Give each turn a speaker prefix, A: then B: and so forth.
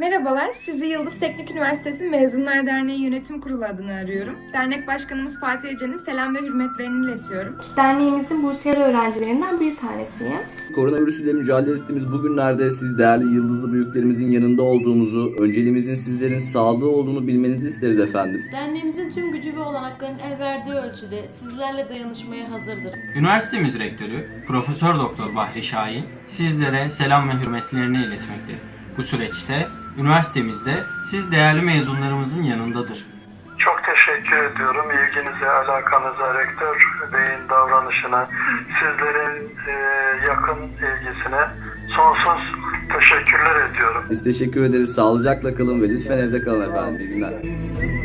A: Merhabalar, sizi Yıldız Teknik Üniversitesi Mezunlar Derneği Yönetim Kurulu adına arıyorum. Dernek Başkanımız Fatih Ece'nin selam ve hürmetlerini iletiyorum.
B: Derneğimizin bursiyer öğrencilerinden bir tanesiyim.
C: Koronavirüs ile mücadele ettiğimiz bu günlerde siz değerli yıldızlı büyüklerimizin yanında olduğumuzu, önceliğimizin sizlerin sağlığı olduğunu bilmenizi isteriz efendim.
D: Derneğimizin tüm gücü ve olanaklarının el verdiği ölçüde sizlerle dayanışmaya hazırdır.
E: Üniversitemiz rektörü Profesör Doktor Bahri Şahin sizlere selam ve hürmetlerini iletmekte. Bu süreçte üniversitemizde siz değerli mezunlarımızın yanındadır.
F: Çok teşekkür ediyorum ilginize, alakanıza, rektör beyin davranışına, sizlerin yakın ilgisine sonsuz teşekkürler ediyorum.
C: Biz teşekkür ederiz. Sağlıcakla kalın ve lütfen evde kalın efendim. İyi günler.